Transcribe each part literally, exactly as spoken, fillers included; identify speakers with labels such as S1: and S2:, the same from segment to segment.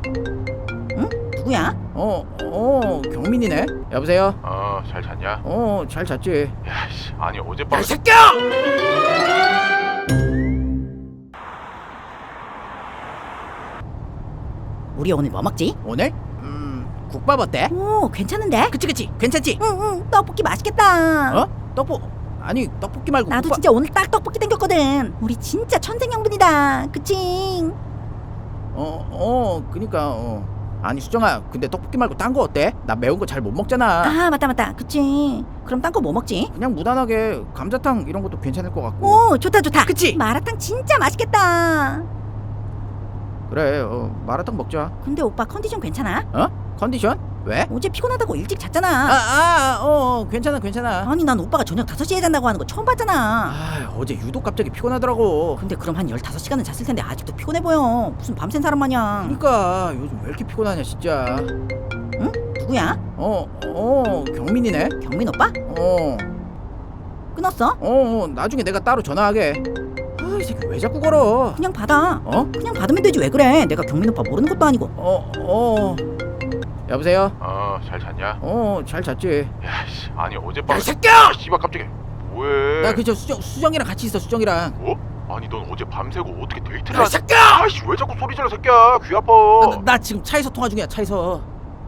S1: 응? 누구야?
S2: 어, 어, 경민이네. 여보세요?
S3: 어, 잘 잤냐?
S2: 어, 잘 잤지.
S3: 야, 씨, 아니 어젯밤.
S2: 야, 이 새끼야!
S1: 우리 오늘 뭐 먹지?
S2: 오늘? 음, 국밥 어때?
S1: 오, 괜찮은데?
S2: 그치, 그치. 괜찮지?
S1: 응응, 떡볶이 맛있겠다.
S2: 어? 떡볶 아니, 떡볶이 말고
S1: 나도
S2: 국밥.
S1: 진짜 오늘 딱 떡볶이 땡겼거든. 우리 진짜 천생연분이다. 그치?
S2: 어, 어, 그니까, 어. 아니, 수정아, 근데 떡볶이 말고 딴 거 어때? 나 매운 거 잘 못 먹잖아.
S1: 아, 맞다 맞다. 그치. 그럼 딴 거 뭐 먹지?
S2: 그냥 무난하게 감자탕 이런 것도 괜찮을 것 같고.
S1: 오, 좋다 좋다.
S2: 그치?
S1: 마라탕 진짜 맛있겠다.
S2: 그래, 어, 마라탕 먹자.
S1: 근데 오빠 컨디션 괜찮아?
S2: 어? 컨디션? 왜?
S1: 어제 피곤하다고 일찍
S2: 아,
S1: 잤잖아.
S2: 아, 어, 어, 괜찮아, 괜찮아.
S1: 아니 난 오빠가 저녁 다섯 시에 잔다고 하는 거 처음 봤잖아.
S2: 아, 어제 유독 갑자기 피곤하더라고.
S1: 근데 그럼 한 열다섯 시간은 잤을 텐데 아직도 피곤해 보여. 무슨 밤샌 사람 마냥.
S2: 그니까 요즘 왜 이렇게 피곤하냐 진짜.
S1: 응? 누구야?
S2: 어, 어, 경민이네.
S1: 경민 오빠?
S2: 어,
S1: 끊었어?
S2: 어, 어, 나중에 내가 따로 전화하게. 아, 이 새끼 왜 자꾸 걸어?
S1: 그냥 받아.
S2: 어?
S1: 그냥 받으면 되지 왜 그래. 내가 경민 오빠 모르는 것도 아니고.
S2: 어, 어. 여보세요?
S3: 어, 잘 잤냐?
S2: 어, 잘 잤지.
S3: 야, 씨, 아니 어젯밤.
S2: 야, 이 새끼야!
S3: 아, 씨발 깜짝이야. 왜?
S2: 나 그저 수정 수정이랑 같이 있어, 수정이랑.
S3: 어? 아니 넌 어제 밤새고 어떻게 데이트를
S2: 야, 이
S3: 하...
S2: 새끼야!
S3: 아이씨 왜 자꾸 소리 질러 새끼야. 귀 아파.
S2: 나, 나, 나 지금 차에서 통화 중이야, 차에서.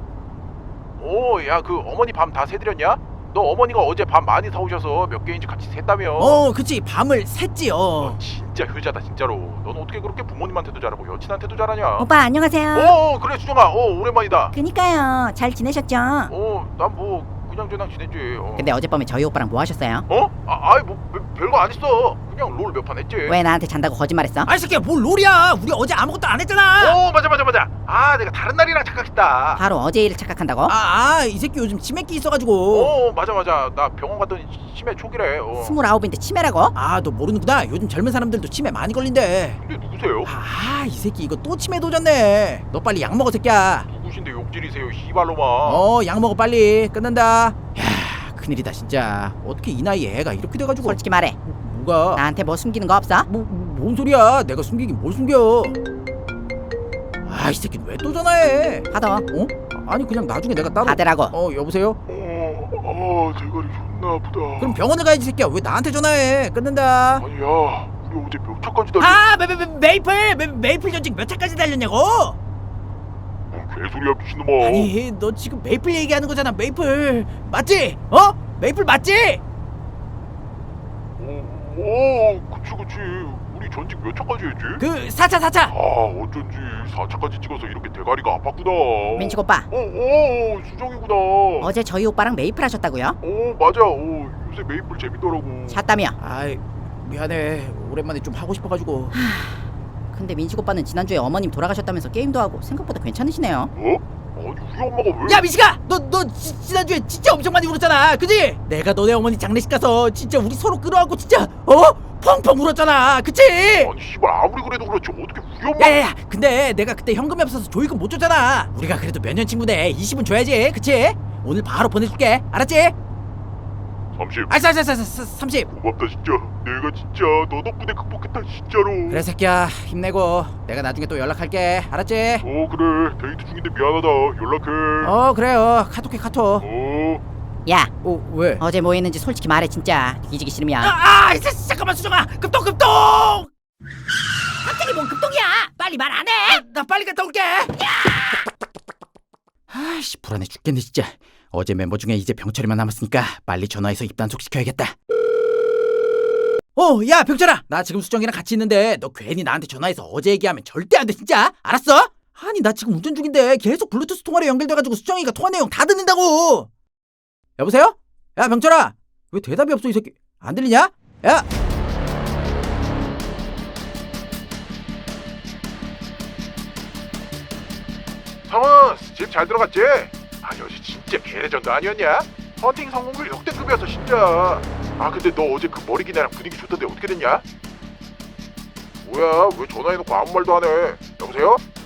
S3: 오, 야 그 어머니 밤 다 새드렸냐? 너 어머니가 어제 밤 많이 사오셔서 몇 개인지 같이 샜다며.
S2: 어, 그치. 밤을 샜지. 어.
S3: 너 진짜 효자다 진짜로. 넌 어떻게 그렇게 부모님한테도 잘하고 여친한테도 잘하냐?
S1: 오빠 안녕하세요.
S3: 어, 그래 수정아. 어, 오랜만이다.
S1: 그니까요. 잘 지내셨죠?
S3: 어, 난 뭐 그냥 저냥 지냈지. 어.
S1: 근데 어젯밤에 저희 오빠랑 뭐 하셨어요?
S3: 어? 아, 아이 뭐 별- 별거 안 했어. 그냥 롤 몇 판 했지.
S1: 왜 나한테 잔다고 거짓말했어?
S2: 아, 이 새끼야, 뭘 롤이야. 우리 어제 아무것도 안 했잖아.
S3: 어, 맞아 맞아 맞아. 아, 내가 다른 날이랑 착각했다.
S1: 바로 어제 일을 착각한다고?
S2: 아, 아, 이 새끼 요즘 치매기 있어가지고.
S3: 어, 맞아 맞아. 나 병원 갔더니 치매 초기래. 어.
S1: 스물아홉인데 치매라고?
S2: 아, 너 모르는구나. 요즘 젊은 사람들도 치매 많이 걸린대.
S3: 근데 누구세요?
S2: 아, 이 새끼 이거 또 치매 도졌네. 너 빨리 약 먹어, 새끼야.
S3: 누구신데 욕질이세요, 씨발로마.
S2: 어, 약 먹어 빨리. 끝난다. 야, 큰일이다 진짜. 어떻게 이 나이에 애가 이렇게 돼가지고.
S1: 솔직히 말해.
S2: 뭐가?
S1: 나한테 뭐 숨기는 거 없어?
S2: 뭐, 뭔 소리야? 내가 숨기긴 뭘 숨겨? 아, 이 새끼 왜 또 전화해?
S1: 받아.
S2: 어? 아니 그냥 나중에 내가 따로.
S1: 받으라고.
S2: 어, 여보세요?
S3: 어, 어, 대가리 존나 아프다.
S2: 그럼 병원을 가야지 새끼야. 왜 나한테 전화해? 끊는다.
S3: 아니야, 우리 어제 몇 차까지 달렸...
S2: 아, 메, 메, 메, 메이플 메, 메이플 전직 몇 차까지 달렸냐고?
S3: 뭔 개소리야 미친놈아.
S2: 아니 너 지금 메이플 얘기하는 거잖아. 메이플 맞지? 어? 메이플 맞지?
S3: 어, 어, 그치 그치. 우리 전직 몇 차까지 했지?
S2: 그 사 차 사 차.
S3: 아, 어쩐지 사 차까지 찍어서 이렇게 대가리가 아팠구나.
S1: 민식 오빠.
S3: 어, 어, 수정이구나.
S1: 어제 저희 오빠랑 메이플 하셨다고요?
S3: 어, 맞아. 어, 요새 메이플 재밌더라고.
S1: 샀다며.
S2: 아이 미안해. 오랜만에 좀 하고 싶어가지고.
S1: 근데 민식 오빠는 지난주에 어머님 돌아가셨다면서 게임도 하고 생각보다 괜찮으시네요.
S3: 어? 아니 우리 엄마가 왜?
S2: 야 미식아, 너 너 지난주에 진짜 엄청 많이 울었잖아, 그지? 내가 너네 어머니 장례식 가서 진짜 우리 서로 끌어안고 진짜 어 펑펑 울었잖아, 그치?
S3: 아니 씨발 아무리 그래도 그렇지 어떻게 우리 엄마?
S2: 야야야, 근데 내가 그때 현금이 없어서 조이금 못 줬잖아. 우리가 그래도 몇 년 친구인데 이십은 줘야지, 그치? 오늘 바로 보내줄게, 알았지?
S3: 삼십.
S2: 아, 사, 사, 사, 사, 삼십.
S3: 고맙다 진짜. 내가 진짜 너 덕분에 극복했다 진짜로.
S2: 그래 새끼야, 힘내고 내가 나중에 또 연락할게, 알았지?
S3: 어 그래 데이트 중인데 미안하다. 연락해.
S2: 어 그래요, 카톡해 카톡.
S3: 어.
S1: 야,
S2: 어 왜?
S1: 어제 뭐 했는지 솔직히 말해 진짜. 뒤지기 싫으면.
S2: 아, 아, 자, 잠깐만 수정아, 급동 급동.
S1: 갑자기 뭔 급동이야? 빨리 말 안 해?
S2: 아, 나 빨리 갔다 올게. 아이씨 불안해 죽겠네 진짜. 어제 멤버 중에 이제 병철이만 남았으니까 빨리 전화해서 입단속 시켜야겠다. 어, 야 병철아, 나 지금 수정이랑 같이 있는데 너 괜히 나한테 전화해서 어제 얘기하면 절대 안 돼 진짜. 알았어? 아니 나 지금 운전 중인데 계속 블루투스 통화로 연결돼가지고 수정이가 통화 내용 다 듣는다고. 여보세요? 야 병철아, 왜 대답이 없어 이 새끼. 안 들리냐? 야.
S3: 성은 집 잘 들어갔지? 아니 어제 진짜 개레전드 아니었냐? 헌팅 성공률 역대급이었어 진짜. 아 근데 너 어제 그 머리 긴 애랑 분위기 좋던데 어떻게 됐냐? 뭐야 왜 전화해놓고 아무 말도 안 해? 여보세요?